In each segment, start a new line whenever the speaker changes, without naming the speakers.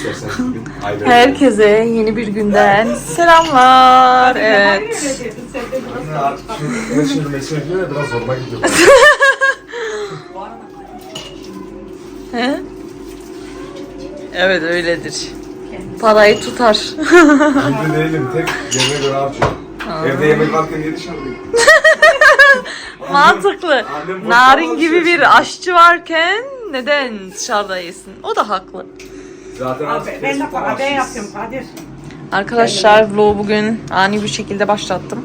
istersen.
Herkese yeni bir günden selamlar. Evet.
Şimdi mesaj diyor ya biraz zoruma gidiyor.
He? Evet öyledir. Parayı tutar.
Evde değilim, tek yemeğe göre harcıyorum. Evde yemek varken niye dışarıdayım?
Mantıklı. Narin gibi bir aşçı varken neden dışarıda yesin? O da haklı.
Zaten
Ben de kahve yapıyorum Kadir.
Arkadaşlar vlogu bugün ani bir şekilde başlattım.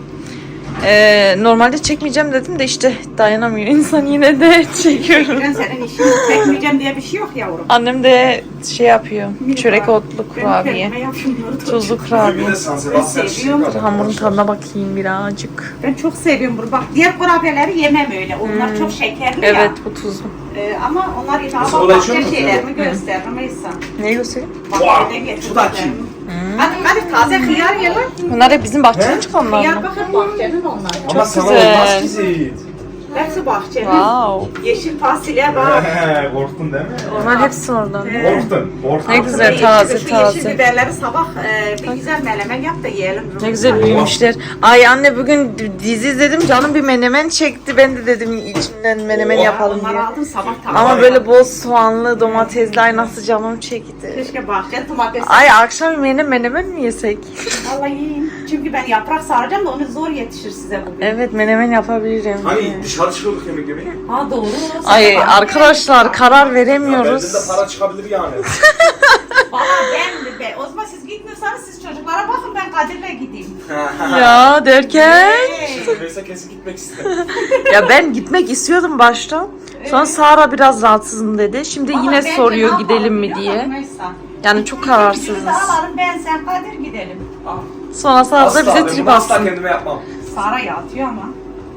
Normalde çekmeyeceğim dedim de işte dayanamıyor insan, yine de çekiyorum.
Ben senin işini çekmeyeceğim diye bir şey yok yavrum.
Annem de şey yapıyor, çörek otlu
Ben
kurabiye,
kendime yapıyorum.
tuzlu kurabiye.
seviyorum.
Hamurun tadına bakayım birazcık.
Ben çok seviyorum bunu. Bak diğer kurabiyeleri yemem öyle. Onlar çok şekerli ya.
Evet, bu tuzlu.
Ama onlar
Mesela
ilave
olay
başka
şu mu?
şeylerimi gösterir Meysa.
Ne göstereyim?
Bak
Wow,
bir de
şu da kim?
getirdim. Hadi taze hıyar ye lan.
Bunlar hep bizim bahçeden çıkanlar
Hıyar
mı?
bakın bahçenin onlar.
Ama sana
güzel.
olmaz ki Zeyit.
Hepsi bahçenin.
Wow.
Yeşil fasulye bak.
Korktun değil mi?
Onlar hepsi oradan.
Korktun.
Ne güzel, taze
Şu
taze.
yeşil biberleri sabah bir güzel menemen yap da yiyelim.
Ne güzel büyümüşler. Ay anne bugün dizi izledim, canım bir menemen çekti. Ben de dedim içinden menemen yapalım
Onları
diye.
aldım sabah taze.
Ama böyle bol soğanlı, domatesli, ay nasıl canım çekti.
Keşke bahçe domates.
Ay akşam yemeğine menemen mi yesek?
Vallahi yiyin. Çünkü ben yaprak saracağım da onu zor yetişir size bugün.
Evet, menemen yapabilirim.
Hani dışarı çıkıyorduk yemek yemeye.
Ha doğru.
Ay arkadaşlar karar
Bende
veremiyoruz.
de para çıkabilir yani.
Valla ben de. O zaman siz gitmiyorsanız siz çocuklara bakın, ben Kadir'le gideyim.
Ya derken?
Neyse kesin gitmek istedim.
Ya ben gitmek istiyordum başta. Sonra Sara biraz rahatsızım dedi. Şimdi
Vallahi
yine
bence ne
soruyor
yapalım
gidelim mi
biliyor musun
diye.
Meysa?
Yani çok
İkimizi
kararsızız.
de alalım, ben sen Kadir gidelim.
Sonra Sara da bize
ben
trip
bunu asla
atsın.
kendime yapmam.
Sara yatıyor ama.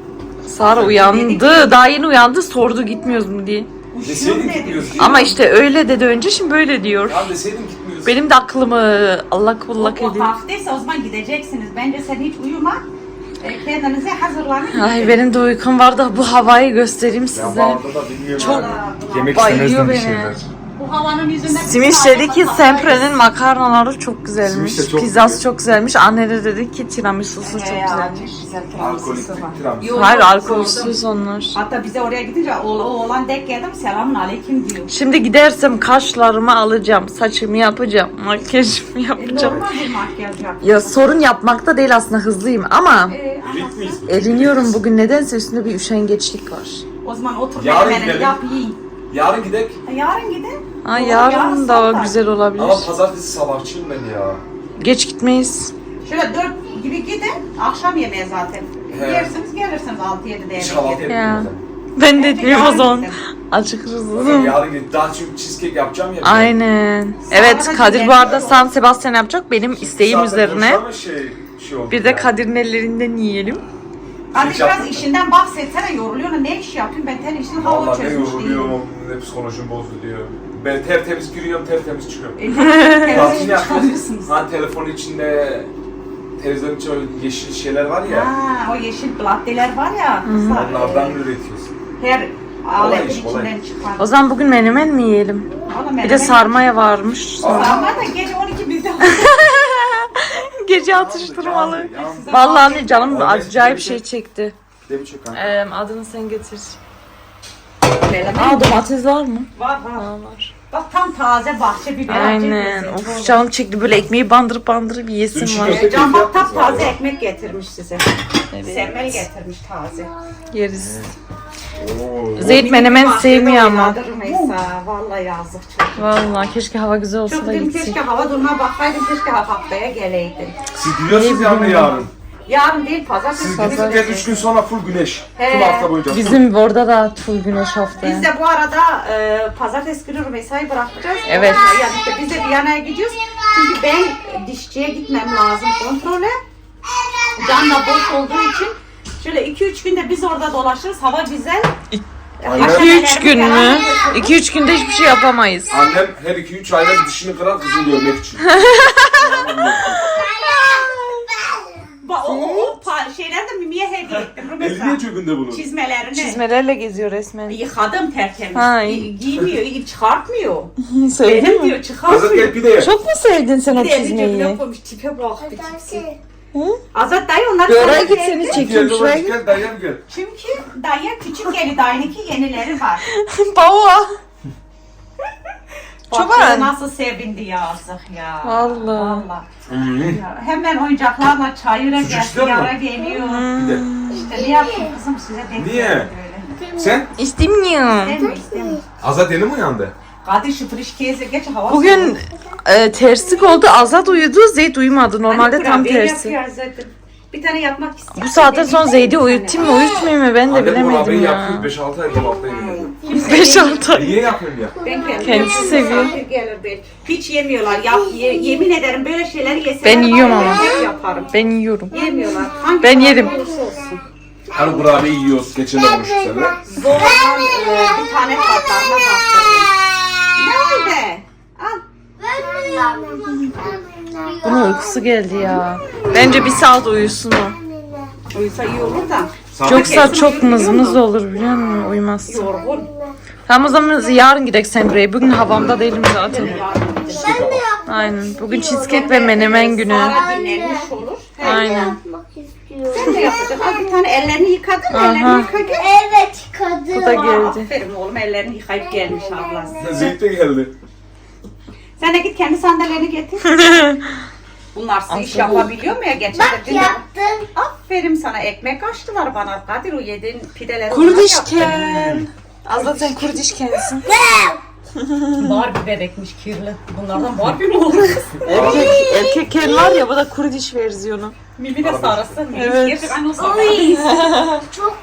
Sara uyandı. Daha yeni uyandı, sordu gitmiyoruz mu diye.
Deseydin
dedi.
gitmiyoruz.
Ama işte öyle dedi önce, şimdi böyle diyor.
Ya deseydin gitmiyoruz.
Benim de aklımı allak bullak
O
ediyor.
haftaysa o zaman gideceksiniz. Bence sen hiç uyuma. Kendinize hazırlanın.
Ay benim de uykum var da bu havayı göstereyim
Ya
size.
bağırdı da bilmiyorum.
Çok
Yemek
bayıyor
istemezdim bir
beni.
şeyler.
Bu havanın yüzünden...
Simiş dedi ki Sempre'nin makarnaları çok güzelmiş.
Simiş de çok
Pizzası
güzel.
çok güzelmiş. Anne de dedi ki tiramisu'su çok güzelmiş.
Alkolik tiramisu.
Hayır, alkolsüz onlar.
Hatta bize oraya gidince o oğlan denk geldim, selamun aleyküm diyor.
Şimdi gidersem kaşlarımı alacağım, saçımı yapacağım, makyajımı yapacağım.
Normal bir makyaj yap.
Ya sorun yapmakta değil aslında, hızlıyım ama
Rit miyiz?
eriniyorum bugün. Nedense üstünde bir üşengeçlik var.
O zaman otur
Yarın
menemeni
gidelim.
yap yiyin.
Yarın gidek.
Yarın gidin.
Ay
Doğru,
yarın da
sabah.
güzel olabilir.
Ama pazartesi sabahçıyım ben ya.
Geç gitmeyiz.
Şöyle 4 gibi gidin. Akşam yemeği zaten.
He.
Yersiniz gelirsiniz 6-7'de
Hiç
yemek
kahvaltı
yedim.
Ya.
etmiyorum
Ben de etmiyorum o
yarın
zaman.
gidelim.
Acıkırız.
zaten. Yarın gidip daha çünkü cheesecake yapacağım ya.
Aynen. Evet,
da
Kadir bu
gidelim.
arada San Sebastian yapacak benim isteğim
Zaten
üzerine.
boşuna mı şey oldu
Bir de
yani.
Kadir'in ellerinden yiyelim.
Hadi
Hiç
biraz
yapmadım.
işinden bahsetsene, yoruluyorsun. Ne iş yapıyorsun? Ben senin işini hava
Vallahi ne
çözmüş değilim.
yoruluyorum, ne psikolojim bozuluyor. Ben tertemiz giriyorum, tertemiz çıkıyorum.
Televizyon
Tatil
çıkarıyorsunuz.
yapıyoruz. Hani telefonun içinde televizyonun içinde öyle yeşil şeyler var ya.
Ha, o yeşil platteler var ya.
Onlardan üretiyorsun.
Her aletin
iş, kolay.
içinden çıkan.
O zaman bugün menemen mi yiyelim? Bir de sarmaya varmış.
Sarma da gece 12 bizde.
Gece atıştırmalı.
Yalnız-
Vallahi anne canım acayip şey çekti.
Bir de bir çok kanka.
Adını sen getir.
Menemen
Aa, domates var mı?
var.
Var.
Bak tam taze bahçe biber.
Aynen. Of canım çekti, böyle ekmeği bandırıp yesim
Dün
var.
çiğ köfte
Can bak
yaptınız
tam taze
galiba.
ekmek getirmiş size.
Evet.
Semmel getirmiş taze.
Yeriz.
Oo.
Zeyt menemen sevmiyor ama.
Mesela vallahi yazık çok.
Vallahi keşke hava güzel olsa
Çok
da
dedim
gitsek.
keşke hava duruma baksaydın, keşke haftaya geleydin.
Siz gidiyorsunuz yani yarın.
Yarın değil pazartesi.
Siz
günü
gidip gel 3 gün sonra full güneş.
He.
Tüm hafta boyunca.
Bizim orada da full güneş haftaya.
Biz de bu arada pazartesi günü Rümeysa'yı bırakacağız.
Evet.
Yani işte biz de Viyana'ya gidiyoruz. Çünkü ben dişçiye gitmem lazım kontrole. Can da boş olduğu için şöyle 2-3 günde biz orada dolaşırız. Hava güzel.
Aynen.
2-3 gün mü? 2-3 günde hiçbir şey yapamayız.
Annem her 2-3 ayda bir dişini kırar kızını görmek için.
O şeyler de Mimi'ye hediye ettim.
Eli niye cebinde bunun?
Çizmelerini.
Çizmelerle geziyor resmen.
Yıkadım tertemiz.
Ha, iyi.
Giymiyor, çıkartmıyor.
Sevdin
Benim
mi?
diyor çıkarmıyor.
Azat gel pide ye.
Çok mu sevdin sen o
Bir de eli cebine
çizmeyi?
koymuş, tipe bak bir tipsi.
Hı?
Azat dayı onlar
Bir
sana
oraya git
verdi.
seni
Gel
çekeyim şuraya
babacık
git.
gel dayım gel.
Çünkü dayı küçük geli dayınınki yenileri var.
Baba.
Bak
Çok
ya
önemli.
nasıl sevindi yazık ya.
Vallahi.
Ya, hemen oyuncaklarla çayıra
Sucuk
geldi,
istiyor
yara
musun?
geliyor.
Bir de.
İşte ne yapayım kızım size denk
Niye?
geldi böyle.
Sen?
İstemiyorum.
İstemiyor.
Azat yeni mi uyandı?
Hadi şu frişkeyse geç hava
Bugün terslik oldu. Azat uyudu, Zeyd uyumadı. Normalde tam tersi.
Bir tane yapmak istiyorum.
Bu saatten sonra Zeyd'i uyutayım mı uyutmayayım mı ben de bilemedim ya.
yapıyor 5-6 ay dolapta yemin
5-6 ay.
Niye yapıyorsun ya?
Ben kendim.
Kendisi seviyor.
Misafir gelir belki. Hiç yemiyorlar. Yemin ederim böyle şeyleri yeseler.
Ben yiyorum
var ya,
ama.
hep yaparım.
Ben yiyorum.
Yemiyorlar. Hangi
Ben
kadar
yerim.
olursa olsun.
Hani kurabiye yiyoruz. Geçen olmuş seninle.
Zorla bir tane tatlarına bastırdım. Ne oldu? Al.
Bunun uykusu geldi ya. Bence bir saat uyusun o.
Uyusa iyi olur da.
Yoksa çok mızmız olur biliyor musun? Uyumaz.
Yorgun.
Tamam o zaman yarın gidelim Semre'ye. Bugün havamda değilim zaten. Aynen. Bugün cheesecake ve menemen günü.
Sonra dinlenmiş olur.
Aynen.
Sen de yapacaksın. Al bir tane ellerini yıkadın mı?
Aha.
Ellerini yıka gel.
Evet kadın.
Bu da geldi.
Aferin oğlum ellerini yıkayıp gelmiş ablası.
Zeyt de geldi.
Sen de git kendi sandalyeni getir. Bunlar su iş yapabiliyor mu ya? Geçen
Bak
de
yaptım.
aferin sana ekmek açtılar bana. Kadir o yediğin pideleri
Kurdişken. Azat sen kurdişkensin.
Barbie bebekmiş kirli. Bunlardan Barbie mi olur?
Erkek ken var ya bu da kurdiş versiyonu.
Mimi de sarısı.
Evet.
Gerçek aynı o sarı.
Çok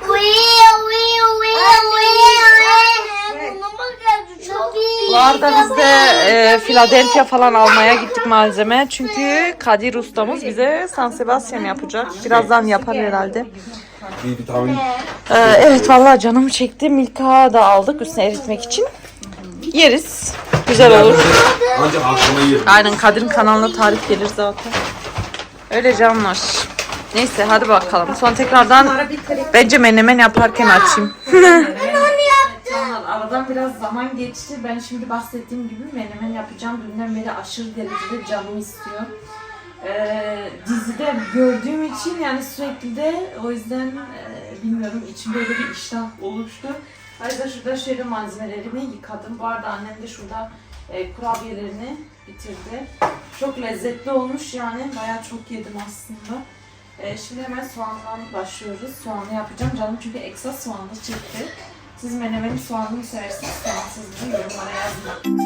çok iyi.
Bu arada biz de Philadelphia falan almaya gittik malzeme. Çünkü Kadir ustamız bize San Sebastian yapacak. Birazdan yapar herhalde.
Bir vitamin.
Evet vallahi canımı çekti. Milka da aldık üstüne eritmek için. Yeriz. Güzel olur.
Ancak akşama yerim.
Aynen Kadir'in kanalına tarif gelir zaten. Öyle canlar. Neyse hadi bakalım. Sonra tekrardan bence menemen yaparken açayım. Aradan biraz zaman geçti. Ben şimdi bahsettiğim gibi menemen yapacağım. Dünden beri aşırı derecede canım istiyor. Dizide gördüğüm için yani sürekli de o yüzden bilmiyorum içimde öyle bir iştah oluştu. O yüzden şurada şöyle malzemelerimi yıkadım. Bu arada annem de şurada kurabiyelerini bitirdi. Çok lezzetli olmuş yani. Bayağı çok yedim aslında. Şimdi hemen soğandan başlıyoruz. Soğanlı yapacağım. Canım çünkü ekstra soğanlı çekti. Siz menemeni soğanlı mı seversiniz? Soğansız mı? Yorumlara yazın.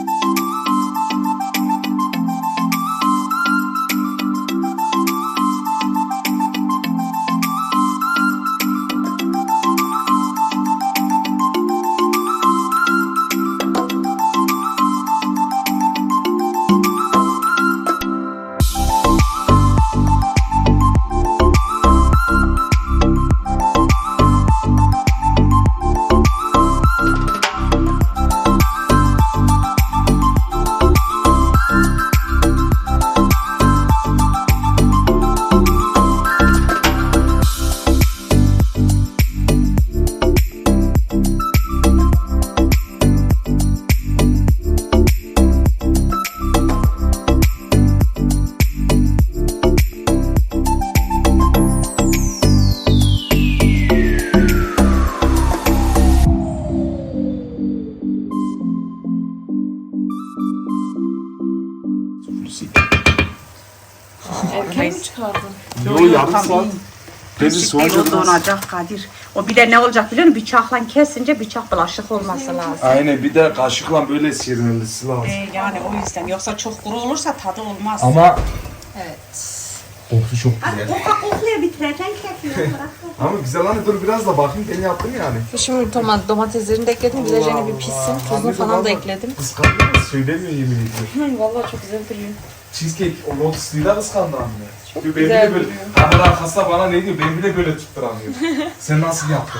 Erken mi çıkardın?
Yo yarım saat. Bezi soğanca
O donacak Kadir. O bir de ne olacak biliyor musun? Bıçakla kesince bıçak bulaşık olması lazım.
Aynen bir de kaşıkla böyle sıyırılması lazım.
Yani o yüzden. Yoksa çok kuru olursa tadı olmaz.
Ama
Evet.
kokusu çok
Hadi
güzel.
kokla bitireceksin kekini.
Ama güzel hani dur biraz da bakayım ben yaptım yani.
Şimdi domateslerini de ekledim. Güzelce bir pişsin. Tuzunu falan da ekledim.
Kıskandın mı? Söylemiyor yemin ediyorum.
Vallahi çok güzel duruyor.
Cheesecake o lotusluyla kıskandı anne.
Çok
Diyor,
güzel
ben bile böyle,
duruyor.
kamera arkasında bana ne diyor? Ben bile böyle tutturamıyorum. Sen nasıl yaptın?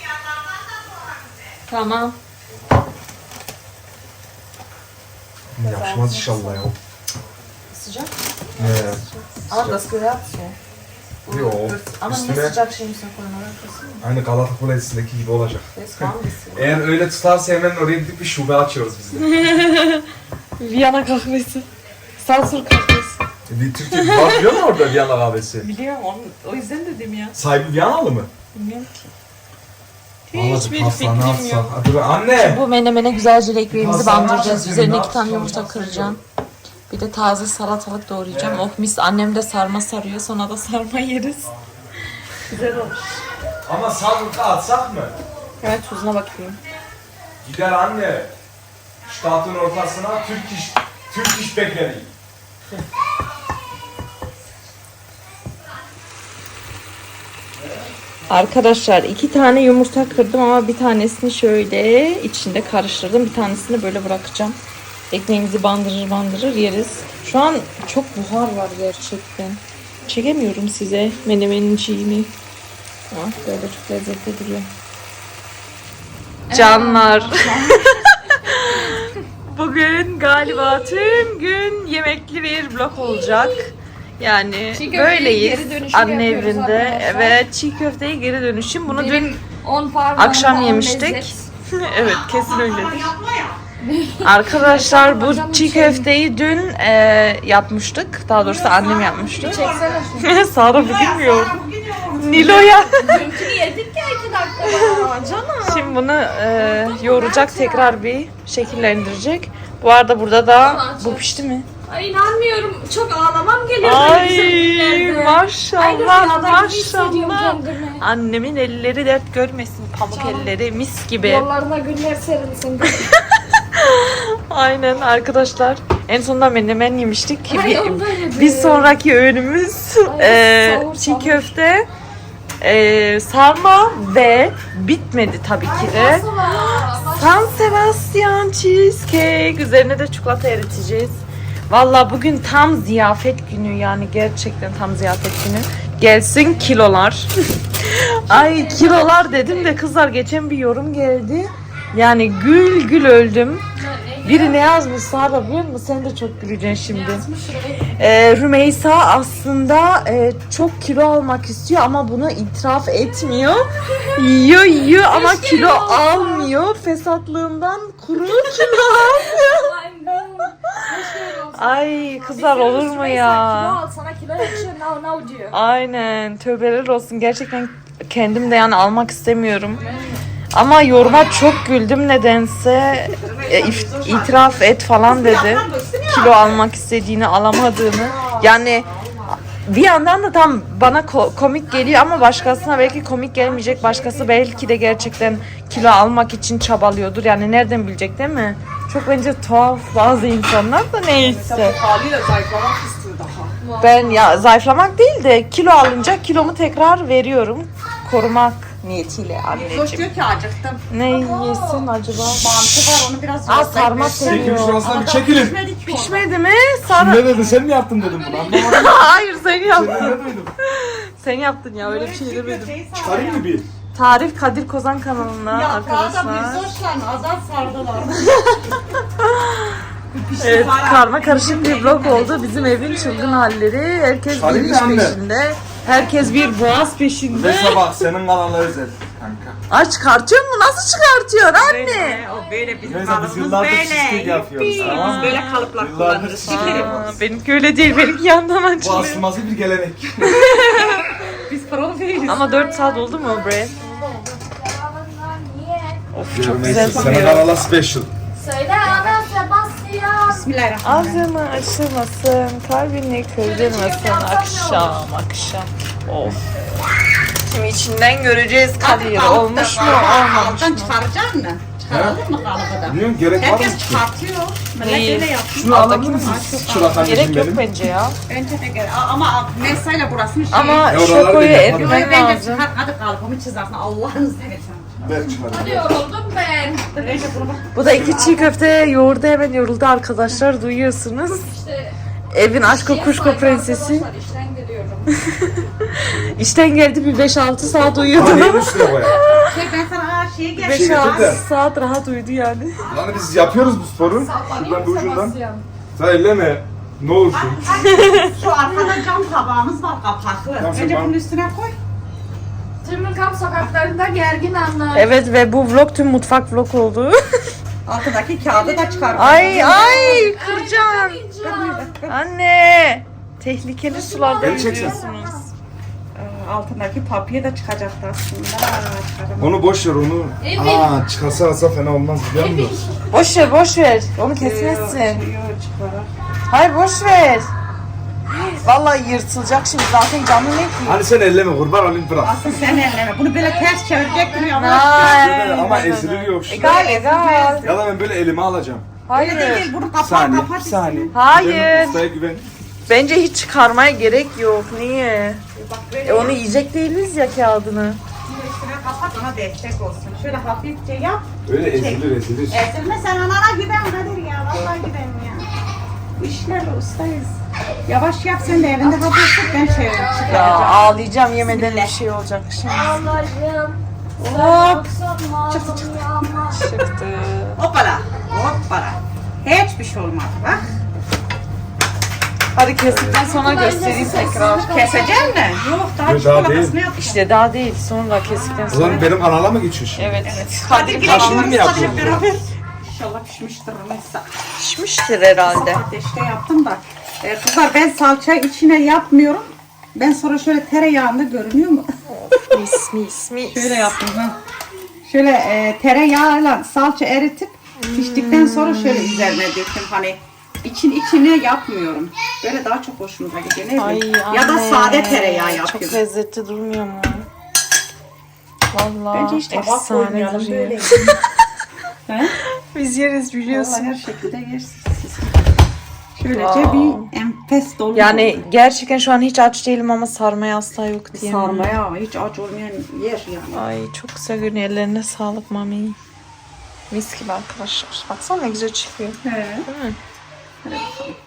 Tamam.
Yapışmaz inşallah ya.
Sıcak.
Evet.
Aber das gehört so.
Yok.
Ama niye
Üstüne
sıcak şeyin üstüne koymalar kesin mi?
aynı Galata Kulesi'ndeki gibi olacak.
Resmen misin?
Eğer öyle tutarsa hemen oraya gidip bir şube açıyoruz biz de.
Viyana kahvesi. Sansür kahvesi.
Bir Türkiye var biliyor musun orada Viyana kahvesi?
Biliyorum o yüzden dedim ya.
Sahibi Viyanalı mı?
Bilmiyorum ki.
Hiçbir
fikrim yok.
Hadi be anne.
Bu menemene güzelce ekmeğimizi
Pasta
bandıracağız.
yapacağız,
Üzerine
ne
2 tane
yapacağız?
yumurta kıracağım. Bir de taze salatalık doğrayacağım. Oh mis, annem de sarma sarıyor. Sonra da sarma yeriz. Güzel olur.
Ama sabırka atsak mı?
Evet, tuzuna bakayım.
Gider anne. Şu tahtın ortasına Türk iş bekleri.
Arkadaşlar 2 tane yumurta kırdım ama bir tanesini şöyle içinde karıştırdım. Bir tanesini böyle bırakacağım. Ekmeğimizi bandırır yeriz. Şu an çok buhar var gerçekten. Çekemiyorum size menemenin şeyini. Ah, böyle çok lezzetli duruyor. Canlar. Bugün galiba tüm gün yemekli bir vlog olacak. Yani böyleyiz. Anne evinde. Evet, çiğ köfteye geri dönüşüm. Bunu dün akşam yemiştik. Evet, kesin öyledir. Arkadaşlar bu çiğ köfteyi dün yapmıştık. Daha doğrusu annem yapmıştı. Sara bugün mü yok? Nilo'ya.
Dünkünü yedik ya 2 dakikada. Canım.
Şimdi bunu yoğuracak, tekrar bir şekillendirecek. Bu arada burada da bu pişti mi?
Ay inanmıyorum. Çok ağlamam geliyor.
Ay maşallah maşallah.
Kendimi.
Annemin elleri dert görmesin. Pamuk elleri mis gibi.
Yollarına güller serilsin.
Aynen arkadaşlar. En sonunda menemen yemiştik.
Ay, ondan yedim.
Bir sonraki öğünümüz
sahur,
çiğ
sahur.
köfte, sarma ve bitmedi tabii ki de. San Sebastian cheesecake. Üzerine de çikolata eriteceğiz. Valla bugün tam ziyafet günü, yani gerçekten tam ziyafet günü. Gelsin kilolar. Ay kilolar dedim de kızlar, geçen bir yorum geldi. Yani gül gül öldüm. Biri ne yazmış Sara biliyor musun? Sen de çok güleceksin şimdi. Rümeysa aslında çok kilo almak istiyor ama bunu itiraf etmiyor. Yiyor ama kilo almıyor. Fesatlığından kuru kilo almıyor. Ay kızlar olur mu ya?
Sana kilo yakışıyor now diyor.
Aynen, tövbeler olsun. Gerçekten kendim de yani almak istemiyorum. Ama yoruma çok güldüm nedense. İtiraf et falan dedi. Kilo almak istediğini, alamadığını. Yani bir yandan da tam bana komik geliyor ama başkasına belki komik gelmeyecek. Başkası belki de gerçekten kilo almak için çabalıyordur. Yani nereden bilecek, değil mi? Çok bence tuhaf bazı insanlar da neyse.
Haliyle zayıflamak istiyor daha.
Ben ya zayıflamak değil de kilo alınca kilomu tekrar veriyorum. Korumak niyetiyle
Zoş
anneciğim.
diyor ki acıktım.
Ne yesin acaba?
Mantı var, onu biraz
Aa,
zorla
sarma
ekmek.
seviyor.
Çekil şurasına bir çekilin.
Pişmedi ki o.
Pişmedi mi? Sana...
Ne dedin, sen mi yaptın dedim bunu, anlamadım.
Hayır sen yaptın.
Ne duydum?
Sen yaptın ya, öyle bir şey demedim.
Çıkarayım mı bir?
Tarif Kadir Kozan kanalına
Yaprağı da
arkadaşlar.
bir zoşla azat sardılar.
Evet, karma karışık bir vlog oldu. Bizim evin çılgın halleri. Herkes bir
Çıkarayım
iş
mı anne?
peşinde. Herkes bir boğaz peşinde.
Ve sabah senin kanalına özel kanka.
Ay çıkartıyor mu? Nasıl çıkartıyor anne?
O böyle bizim
Neyse biz
kalıbımız
yıllardır
böyle.
cheesecake yapıyoruz, tamam mı?
Biz böyle kalıplar
Yıllardır
kullanırız.
cheesecake
Aa,
yapıyoruz.
Benimki öyle değil. Benimki yandan
Bu
açılıyor.
asılmazı bir gelenek.
Biz pro değiliz.
Ama 4 saat oldu mu bre? Of çok güzel
Neyse, senin
kokuyor.
kanala special.
Söyle ana Sebastian.
Bismillahirrahmanirrahim.
Ağzını açılmasın, kalbini kırdırmasın akşam akşam. Of. Şimdi içinden göreceğiz Kadir. Olmuş mu olmamış
Alttan
mı?
çıkaracak mı? Çıkaralım mı kalıbı da?
Bilmiyorum, gerek var mı
Herkes
ki?
çıkartıyor. Millet
Neyi?
öyle yapıyor.
Şunu alabilir misin? Çırak
Gerek
anneciğim
yok
benim.
bence ya.
Bence de gerek. Ama mesayla burasını şey.
Ama
oraları
şokoyu
da yapalım.
Burayı
ezmen
bence
lazım.
çıkar. Hadi kalıbımı çizersin. Allah'ını seversen.
Ver çıkarayım.
Yoruldum ben.
Neyse bunu bak.
Bu da 2 çiğ köfte yoğurdu, hemen yoruldu arkadaşlar, duyuyorsunuz.
İşte
Evin aşkı kuşko prensesi.
arkadaşlar işten geliyorum.
İşten geldi, bir 5-6 saat
Bana
uyudu.
neyin üstüne koyalım?
Ben sana şeye gel.
5-6 saat rahat uyudu yani.
Lan biz yapıyoruz bu sporu. Şuradan bir ucundan. Sen elleme. Ne olsun?
Şu arkada cam tabağımız var kapaklı.
Tamam,
Önce
tamam.
bunun üstüne koy.
Tümülkamp sokaklarında gergin anlar.
Evet ve bu vlog tüm mutfak vlog oldu.
Altındaki kağıdı da çıkar.
ay kıracağım. Anne. Tehlikeli sularda
Beni çeksen.
yüzüyorsunuz.
Altındaki papya da çıkacaktı aslında. Çıkaramadım.
Onu boş ver onu. Aa çıkarsa alsa fena olmaz biliyor musun?
Boş ver. Onu kesmezsin.
Çıkarar.
Hayır boş ver. Vallahi yırtılacak şimdi zaten canlı ne ki?
Hani sen elleme kurban olayım bırak.
Aslında sen elleme. Bunu böyle ters çevirecektim ya.
Ama ezilir yok.
Egal.
Ya da ben böyle elime alacağım.
Öyle
Hayır.
değil. Bunu
Bir
kapat
saniye,
kapat.
bir saniye.
Hayır.
Benim ustaya güven.
Bence hiç çıkarmaya gerek yok. Niye?
Bak böyle
Onu yiyecek değiliz ya kağıdını.
üstüne kapat ona destek olsun. Şöyle hafifçe yap.
Öyle ezilir.
Ezilme sen anana güven Kadir ya. Vallahi güven ya. Bu işlerle ustayız. Yavaş yap sen de elinde hafif tut ben şey
Ya
çıkaracağım.
ağlayacağım yemeden bir şey olacak şimdi.
Allah'ım.
Hop.
Çıktı.
Hoppala. Hoppala. Hiçbir şey olmaz bak.
Hadi kestikten sonra göstereyim tekrar.
Keseceksin mi? Yok daha
Yok, daha
çikolatasını
değil.
yap.
İşte daha değil. Sonra kestikten
O
sonra.
zaman benim kanala mı geçiyorsun?
Evet.
Kadir
Kadir
Taşını
Kadir
mı yapıyorsun?
beraber. İnşallah pişmiştir mesela.
pişmiştir herhalde.
Ateşte yaptım da. Kızlar ben salça içine yapmıyorum. Ben sonra şöyle tereyağında görünüyor mu?
Mis.
Şöyle yaptım ha. Şöyle tereyağıyla salça eritip piştikten sonra şöyle üzerine döktüm. Hani içine yapmıyorum. Böyle daha çok hoşumuza gidiyor. Ne
Ay
bileyim.
anne.
Ya da sade tereyağı
Çok
yapıyorum.
lezzetli durmuyor mu? Vallahi
Bence hiç tabak
efsane
koymayalım
duruyor.
böyle. He?
Biz yeriz
Vallahi
biliyorsun.
her şekilde yersiniz siz. Şöylece
Wow.
bir enfes dolma.
Yani gerçekten şu an hiç aç değilim ama sarmaya asla yok diye.
sarmaya hiç aç olmayan yer yani.
Ay çok güzel görünüyor. Ellerine sağlık mami. Mis gibi arkadaşlar. Baksana ne güzel çıkıyor.
He.
Değil mi?
Hadi bakalım.